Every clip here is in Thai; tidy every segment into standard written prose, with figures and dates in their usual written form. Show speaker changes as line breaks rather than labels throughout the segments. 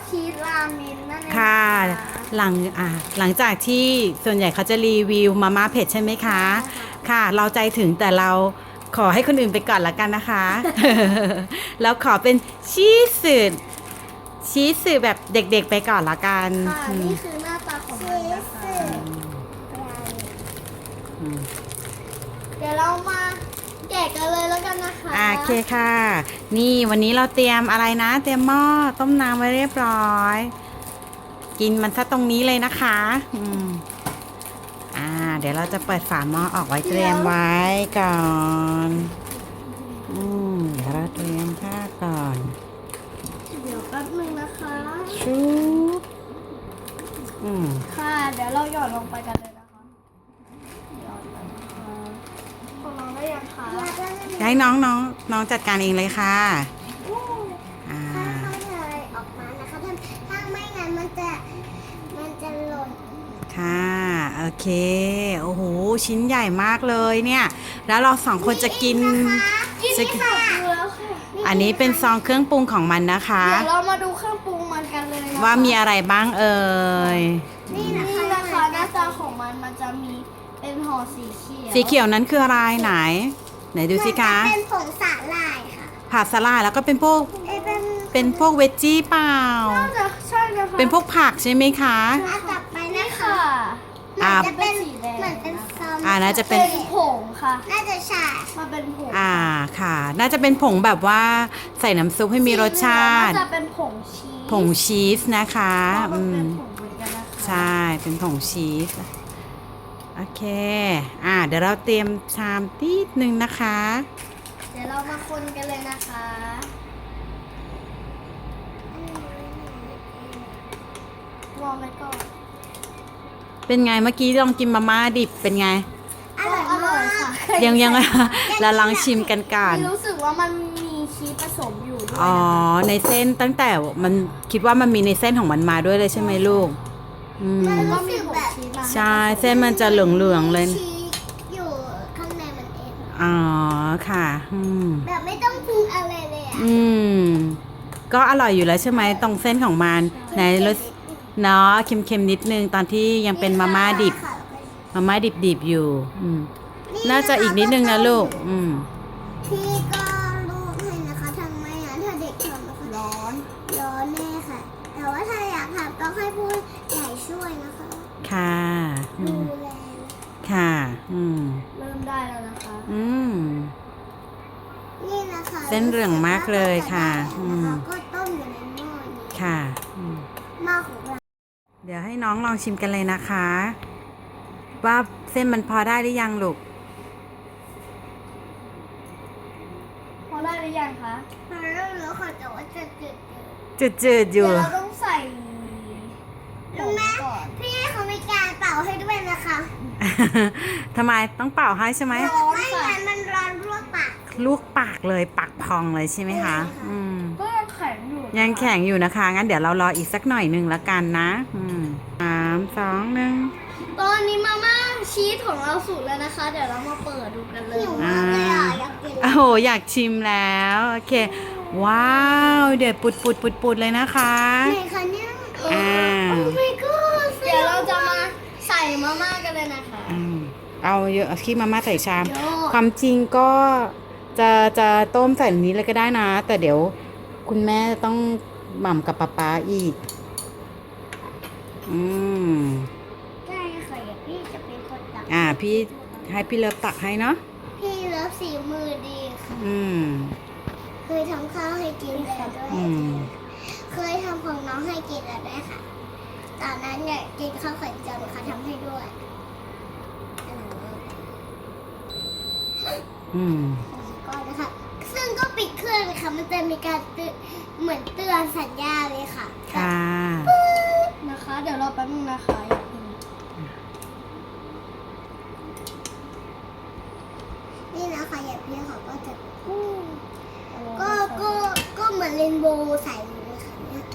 ชีสราเมนนั่นเอง
ค่ะหลังหลังจากที่ส่วนใหญ่เขาจะรีวิวมาม่าเผ็ดใช่ไหมคะค่ะเราใจถึงแต่เราขอให้คนอื่นไปก่อนละกันนะคะ แล้วขอเป็นชีสแบบเด็กๆไปก่อนละกัน
ค่ะนี่คือหน้าตาของมันนะคะเดี๋ยวเรามาแกะกันเลยแล้วกันนะคะ
โอเคค่ะนี่วันนี้เราเตรียมอะไรนะเตรียมหม้อต้มน้ำไว้เรียบร้อยกินมันซะตรงนี้เลยนะคะเดี๋ยวเราจะเปิดฝาหม้อออกไว้เตรียมไว้ก่อนเดี๋ยวเราเตรียมผ้าก่อน
เดี๋ยวแป๊บนึงนะคะ
ชุบ
ค่ะเดี๋ยวเราหยอดลงไปกันเลยนะคะหยอดไปนะคะของน้องได้ยังคะ
ให้น้องจัดการเองเลยค่ะ
ค่อยๆเลยออกมานะคะถ้าไม่งั้นมันจะหล่น
ค่ะโอเคโอ้โหชิ้นใหญ่มากเลยเนี่ยแล้วเราสองคนจะกิน
แล้วค่ะ
อันนี้เป็นซองเครื่องปรุงของมันนะคะ
เดี๋ยวเรามาดูเครื่องปรุงมันกันเลยนะคะ
ว่ามีอะไรบ้างเอ่ย
นี่นะคะหน้าตาของมันจะมีเป็นห่อสีเขียว
สีเขียวนั้นคืออะไรไหนดูสิคะ
เป็นผงสาหร่ายค่ะ
ผักสลัดแล้วก็เป็นพวกเวจจี้เปล่า
น่าจะใช่นะคะ
เป็นพวกผักใช่ไหมคะ
จับไปนะคะจะเป็นเหมือนเป็นซอม
น่าจะเป็น
ผงค่ะน่าจะใช่มาเป็นผง
ค่ะน่าจะเป็นผงแบบว่าใส่น้ำซุปให้มีรสชาติ
น่าจะเป็นผงชีส
นะคะ
เป็นผงเหมือนกันนะคะ
ใช่เป็นผงชีสโอเคเดี๋ยวเราเตรียมชามนิดนึงนะคะ
เดี๋ยวเรามาคนกันเลยนะคะวางไว้ก่อน
เป็นไงเมื่อกี้ลองกินมาม่าดิบเป็นไง
อร่อยค่ะ
ยังเราลองชิมกันก่อน
รู้สึกว่ามันมีชีสผสมอยู่ด้วย
ในเส้นตั้งแต่มันคิดว่ามันมีในเส้นของมันมาด้วยเลยใช่ไหมลูก
มันก็มีแบบ
ใช่เส้นมันจะเหลืองๆเลย
ชีสอยู่ข้างในมันเอง
ค่ะ
แบบไม่ต้องปรุงอะไรเลย
ก็อร่อยอยู่แล้วใช่ไหมตรงเส้นของมันในรสเนาะเค็มๆนิดนึงตอนที่ยังเป็นมาม่าดิบอยู่น่าจะอีกนิดนึงนะลูก
พี่ก็ลูกให้นะคะทำไมถ้าเด็กทำนะคะร้อนแน่ค่ะแต่ว่าถ้าอยากทำต้องให้ผู้ใหญ่ช่วยนะคะ
ค่ะ
ดูแล
ค่ะ
เริ่มได้แล้วนะคะนี่นะคะ
เส้นเหลืองมากเลยค่ะ
ก็ต้มอยู่ในหม้อนี้
ค่ะ
หม้อของเรา
เดี๋ยวให้น้องลองชิมกันเลยนะคะว่าเส้นมันพอได้หรือยังลูก
พอได้หรือยังคะพอได้แล้วค่ะแต่ว่าจะ
จืดอยู่
เดี๋ยวเราต้องใส่รู้ไหมพี่เขามีการเป่าให้ด้วยนะคะ
ทำไมต้องเป่าให้ใช่ไหม
ไม่งั้นมันร้อน
ลวกปากเลยปากพองเลยใช่ไหมคะ
ก็ยังแข็งอยู่
ยังแข็งอยู่นะคะงั้นเดี๋ยวเรารออีกสักหน่อยหนึ่งละกันนะ3 2 1
ตอนนี้มาม่าชีสของเราสุกแล้วนะคะ เดี๋ยวเรามาเปิดดูกันเลยอยากกิน
โอ้โหอยากชิมแล้วโอเคว้าวเดี๋ยวปุดเลยนะคะ
ไหนคะเนี่ยโอ้ my god เดี๋ยวเราจะมาใส่มาม่ากันเลยนะคะ
เอาเยอะขี้มาม่าใส่ชามความจริงก็จะต้มใส่นี้เลยก็ได้นะแต่เดี๋ยวคุณแม่ต้องหม่ำกับป๊าอีก
ได้ค่ะพี่จะเป็นคนตัก
พี่ให้พี่เลิฟตักให้เนาะ
พี่เลิฟสีมือดีค่ะเคยทำข้าวให้กินแล้วด้วยเคยทำของน้องให้กินแล้วด้วยค่ะตอนนั้นเนี่ยกินข้าวไข่เจียวค่ะทำให้ด้วยก็นะคะซึ่งก็ปิดเครื่องเลยค่ะมันจะมีการเหมือนเตือนสัญญาเลยค่ะ
ค่ะ
นะคะเดี๋ยวเราแป๊บนึงนะคะนี่นะคะอย่าเพี้ยเขาก็จะก็เหมือนเรนโบว์ใส่เลยค่ะเนี่ย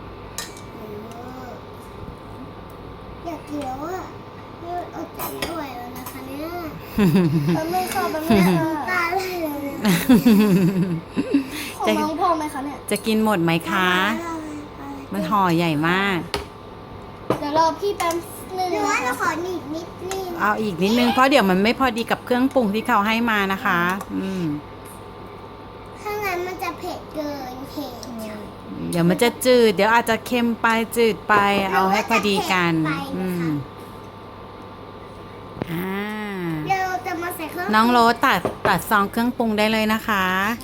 อยากเกี่ยวอ่ะอดใจไม่ไหวแล้วนะคะเนี่ยมันไม่เข้ามันไม่ตายเลยของน้องพอไหมคะเนี่ย
จะกินหมดไหมคะมันห่อใหญ่มาก
เดี๋ยวรอพี่แป๊บนึงหรือว่าเราขอนิดนิดนึง
เอาอีกนิดนึงเพราะเดี๋ยวมันไม่พอดีกับเครื่องปรุงที่เขาให้มานะคะ
ถ้างั้นมันจะเผ็ดเกินเผ็ด
เดี๋ยวมันจะจืด เดี๋ยวอาจจะเค็มไปจืดไป เอาให้พอดีกัน อ่า
เดี๋ยวเราจะมาใส่เครื่อง
น้องโรสตัดซองเครื่องปรุงได้เลยนะคะ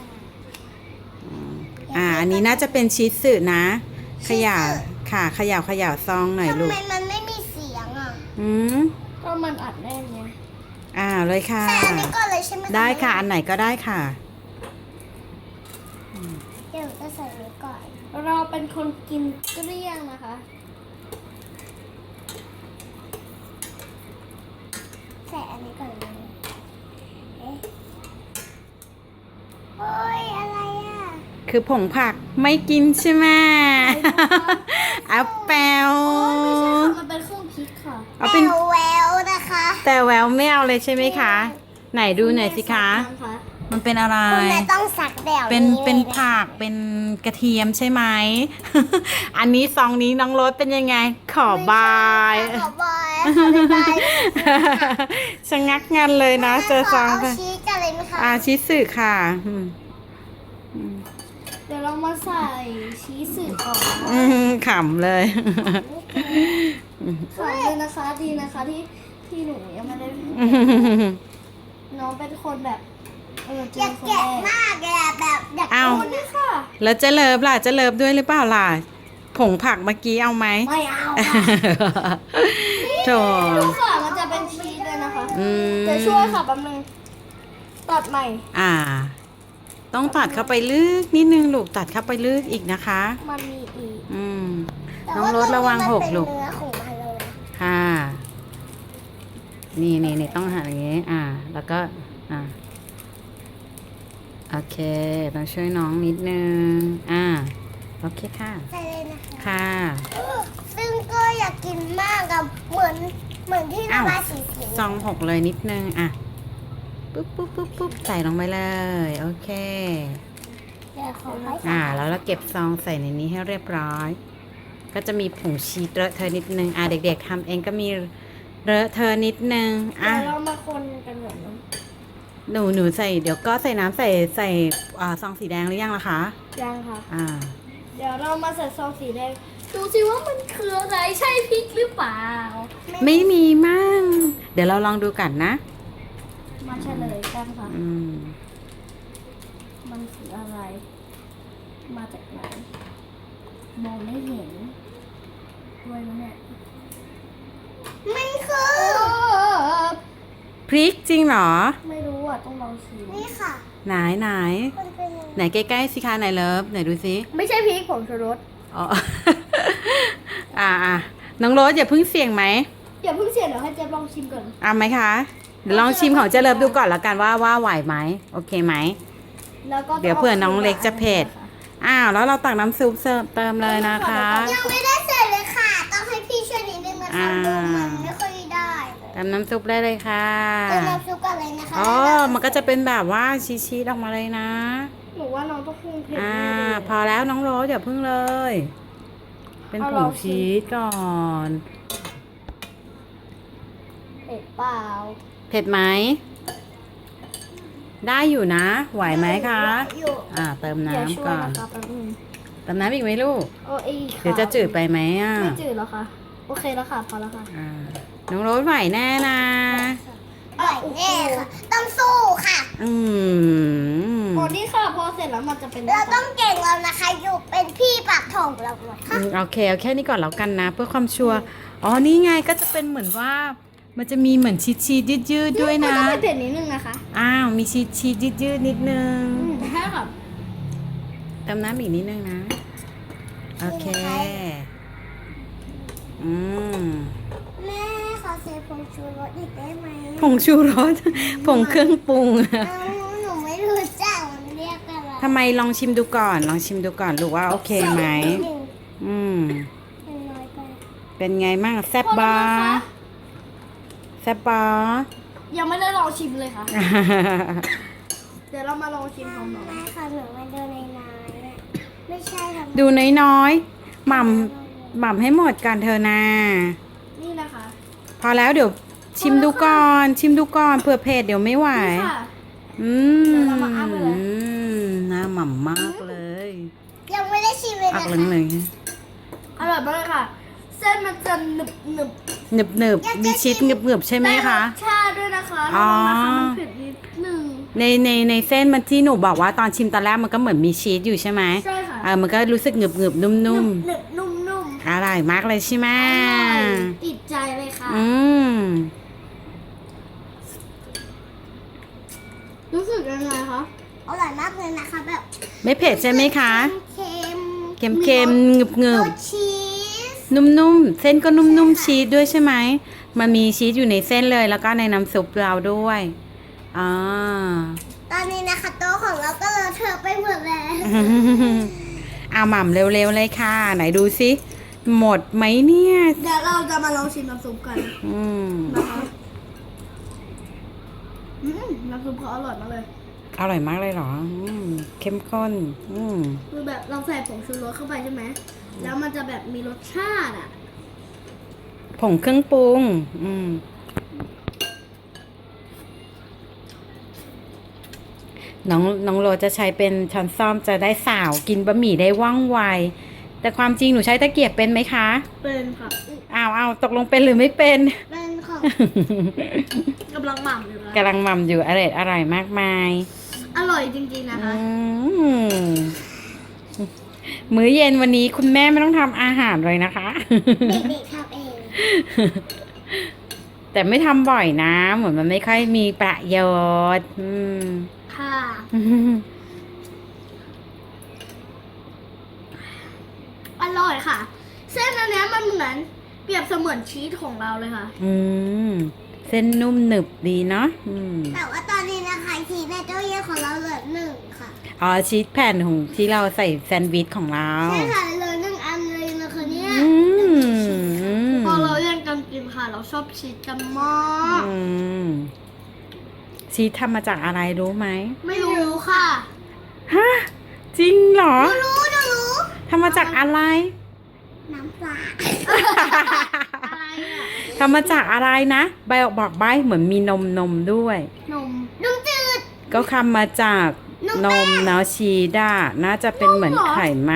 อันนี้น่าจะเป็นชีสสึนะ เขย่าค่ะเขย่าซองหน่อย
ทำ
ลูก
ไมมันไม่มีเสียงอ่ะ
ก็มันอัดแน่นไง
เลยค่ะ
ใส่อันนี้ก่อนเลยใช่ไหม
ได้ค่ะ อันไหนก็ได้ค่ะ
เดี๋ยวจะใส่อันนี้ก่อน
เราเป็นคนกินเกลี้ยงนะคะ
ใส่อันนี้ก่อนเลยเอ๊ะโอ้ยอะไรอ่ะ
คือผงผักไม่กินใช่ไหมแอปเปิล
ไม่ใช่ค่ะ มันเป็นเครื่องพริกค่ะ
เอาเป็น
แววนะคะ
แต่แววไม่เอาเลยใช่ไหมคะ ไหนดูหน่อยสิคะ มันเป็นอะไร
คุณแม่ต้องสักแดว
เป็น
ลยะ
ผักเป็นกระเทียมใช่ไหม อันนี้ซองนี้น้องรสเป็นยังไง ขอบาย
ขอบายขอบาย
ชะงักงันเลยนะ เจอซอง
เอาชีสกันเลยไหมคะ
ชิสึค่ะ
เดี๋ยวเรามาใส่ชีสสึก่อน
ขำเลย
ขอบเลยนะคะ ดีนะคะที่หนูยังไม่ได้ น้องเป็นคนแบบเจ
อยาก
คน
แกะ
แรก
มากเลยอะแบบอยาก
เอา
คนนี้ค่ะ
แล้วจะเลิฟล่ะจะเลิฟด้วยหรือเปล่าล่ะ ผงผักเมื่อกี้เอาไหม
ไม่เอาค่ะ
โถ
ดูค่ะมันจะเป็นชีสเลยนะคะ
ม
เดี๋ยวช่วยค่ะแป๊บนึงตัดใหม่
ต้องตัดเข้าไปลึกนิดนึงลูกตัดเข้าไปลึกอีกนะคะ
มันมีอีก
แต่
น้องรถระวังหกลูก
มันเป็นเนื้อของมันเลยนะ
ค่ะ นี่ต้องหั่นอย่างงี้ แล้วก็โอเคต้องช่วยน้องนิดนึงโอเคค่ะ
ใส่เลยนะคะ
ค่ะ
ซึ่งก็อยากกินมากอะเหมือนที่ระบายสี
ซองหกเลยนิดนึงปุ๊บใส่ลงไปเลย โอเค
เดี๋ยวขอให้
แล้วเราเก็บซองใส่ในนี้ให้เรียบร้อย ก็จะมีผงชีสเลอะเทอะนิดนึงเด็กๆทำเองก็มีเลอะเทอะนิดนึง
เดี๋ยวเรามาคนกันแบบนั้น
หนูใส่เดี๋ยวก็ใส่น้ำใส่ซองสีแดงหรือยังล่ะคะ
ยังค่ะ
อ่า
เดี๋ยวเรามาใส่ซองสีแดงดูสิว่ามันคืออะไรใช่พริกหรือเปล่า
ไม่มีมั่งเดี๋ยวเราลองดูกันนะ
มาเฉลยกันค่ะ มันคืออะไร มาจากไหนมองไม่เห็นด้วยนะเนี่ย
มันคือ
พริกจริงเหรอ
ไม่รู้อ่ะต้องลองชิม
นี่ค่ะ
ไหน
มันเป็นยังไง
ไหนใกล้ๆสิคะไหนเลิฟไหนดูสิ
ไม่ใช่พริกผงชูรส
อ๋อ น้องโรสอย่าเพิ่งเสี่ยงไหม
อย่าเพิ่งเสียเดี๋ยวให้เจ๊ลองชิมก่อน
เอาไหมคะเดี๋ยวลองชิมของเจเลิฟดูก่อนแล้วกันว่าไหวไหมโอเคไหม
แล้วก็
เดี๋ยวเผื่อน้องเล็กจะเผ็ด แล้วเราตักน้ำซุปเติมเลยนะคะ
ยังไม่ได้ใส่เลยค่ะ ต้องให้พี่ช่วยนิดนึงนะคะดูมันไม่ค่อยได้เลย
เติมน้ำซุปได้เลยค่ะ
เติมน้ำซุปกันเลยนะคะ
มันก็จะเป็นแบบว่าชีสออกมาเลยนะ
หนูว่าน้องต้องคงเผ็ด
พอแล้วน้องโรสอย่าพึ่งเลย เป็นผงชีสก่อน
เผ็ดเปล่า
เผ็ดไหม ได้อยู่นะ ไหวไหมคะ
อยู่
เติม
อย่าช่
น้ำ
วย
ก่อน
นะคะแป๊บนึง
เติมน้ำอีกไหมลูก
อีกค่ะ
เดี๋ยวจะจืดไปไหม
ไม่จืดแล้วค่ะ โอเคแล้วค่ะ พอแล้วค่ะ
น้องโรสไหวแน่นะ
อร่อยแน่ค่ะ ต้องสู้ค่ะ
นี่ค่ะ พอเสร็จแล้วมันจะเป็น
เราต้องเก่งแล้วนะคะ อยู่เป็นพี่ปากทองเราค่ะ
โอเคเอาแค่นี้ก่อนแล้วกันนะ เพื่อความชัวร์นี่ไงก็จะเป็นเหมือนว่า มันจะมีเหมือนชีสยืดๆด้วยนะ
ต้องเผ็ดนิดนึงนะคะ
มีชีสยืดๆนิดนึง
ใช่ค่ะ
เติมน้ำอีกนิดนึงนะ โอเค
แม่ขอใส่ผงชูรสอีกได้ไหม
ผงชูรส ผงเครื่องปรุง
หนูไม่รู้จักมันเรียกอะไร
ทำไมลองชิมดูก่อนลูกว่าโอเคไหม
เป็นน้อยไป
เป็นไงมั่งแซ่บบาแซ่บบา
ยังไม่ได้ลองชิมเลยค่ะ เดี๋ยวเรามาลองชิมพร้อมกัน
แม่ค่ะหนูมาดูในน้ำไม่ใช่ทำ
ดูน้อยหม่ำให้หมดกันเธอนา
นี่นะคะ
พอแล้วเดี๋ยวชิมดูก่อนเผื่อเผ็ดเดี๋ยวไม่ไหว
นี่ค่ะ
อื
เดี๋
ม
ยวเรามาอัพเลย
น่าหม่ำมากเลย
ยังไม่ได้ชิมเลย
อัก
นะคะ
เหลือง
อร่อยมากเลยค่ะ เส้นมันจะหนึบ
ๆหนึบๆมีชีสหนึบๆใช่ไหม
ได้ร
คะ
สชาติด้วยนะคะ
อ๋อ
แล้วนะคะมันเผ็ดนิดนึง
ในเส้นมันที่หนูบอกว่าตอนชิมตอนแรกมันก็เหมือนมีชีสอยู่ใช่ไหม
ใช่ค่ะ
มันก็รู้สึกหนึบๆนุ่ม
หนึบนุ่ม
ๆอร่อยมากเลยใช่ไหม
ๆอร่อยติดใจเลยค่ะ
อืม
รู้สึกยังไงคะ
อร่อยมากเลยนะคะแบบ
ไม่เผ็ดใช่ไหมคะ
เค็ม
เค็มๆหนึบ
รสชีส
ๆนุ่มๆเส้นก็นุ่มๆชีสด้วยใช่ไหมมันมีชีสอยู่ในเส้นเลยแล้วก็ในน้ำซุปเราด้วยอ่า
ตอนนี้นะคะโต๊ะของเราก็เลอะเทอะไปหมดแล้ว
เอาหม่ำเร็วๆเลยค่ะ ไหนดูสิหมดไหมเนี่ย
เดี๋ยวเราจะมาลองชิมน้ำซุปกัน
อืม
นะคะน้ำซุปเขาอร่อยมากเลย
อร่อยมากเลยเหรอเข้มข้นม
คือแบบเราใส่ผงชูรสเข้าไปใช่ไหม แล้วมันจะแบบมีรสชาติอ่ะ
ผงเครื่องปรุงน้องโรจะใช้เป็นช้อนส้อมจะได้สาวกินบะหมี่ได้ว่องไว แต่ความจริงหนูใช้ตะเกียบเป็นไหมคะ
เป็นค่ะ
อ้าวตกลงเป็นหรือไม่เป็น
เป็นของ
กำลังหม่ำอยู่นะ
กำลังหม่ำอยู่อร่อยมากมาย
อร่อยจริงๆนะคะ
มื้อเย็นวันนี้คุณแม่ไม่ต้องทำอาหารเลยนะคะ
เด็กๆทำเอง
แต่ไม่ทำบ่อยนะ เหมือนมันไม่ค่อยมีประโยชน์
ค่ะ อร่อยค่ะ เส้นอันเนี้ยมันเหมือนเปรียบเสมือนชีสของเราเลยค่ะ
เส้นนุ่มหนึบดีเนาะ
แต่ว่าตอนนี้นะคะชีสในตู้เย็นของเราเหลือ1ค่ะ
อ๋อชีสแผ่นของที่เราใส่แซนด์วิชของเรา
ใช่ค่ะเหลือ1อันเลยนะคะเนี่ย
อืม
พอเราแย่งกันกินค่ะ เราชอบชีสกันมาก
ชีสทำมาจากอะไรรู้ไหม
ไม่รู้ค่ะ
ฮะ จริงเหรอ
หนูรู้
ทำมาจากอะไร
น้ำปลา
อะไรอ่ะ
ทำมาจากอะไรนะใบบอกใบเหมือนมีนมด้วย
นม
นมจืด
ก็ทำมาจากนมเนาะชีสอะน่าจะเป็นเหมือน
นมเหรอ
ไขมัน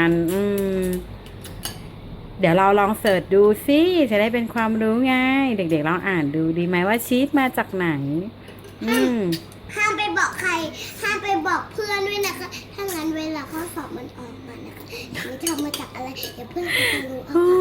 เดี๋ยวเราลองเสิร์ชดูสิจะได้เป็นความรู้ไงเด็กๆลองอ่านดูดีไหมว่าชีสมาจากไหน
ห้ามไปบอกใคร ห้ามไปบอกเพื่อนด้วยนะคะ ถ้างั้นเวลาข้อสอบมันออกมานะคะหนูทำมาจากอะไร เดี๋ยวเพื่อนเขาจะรู้เอา
โอ้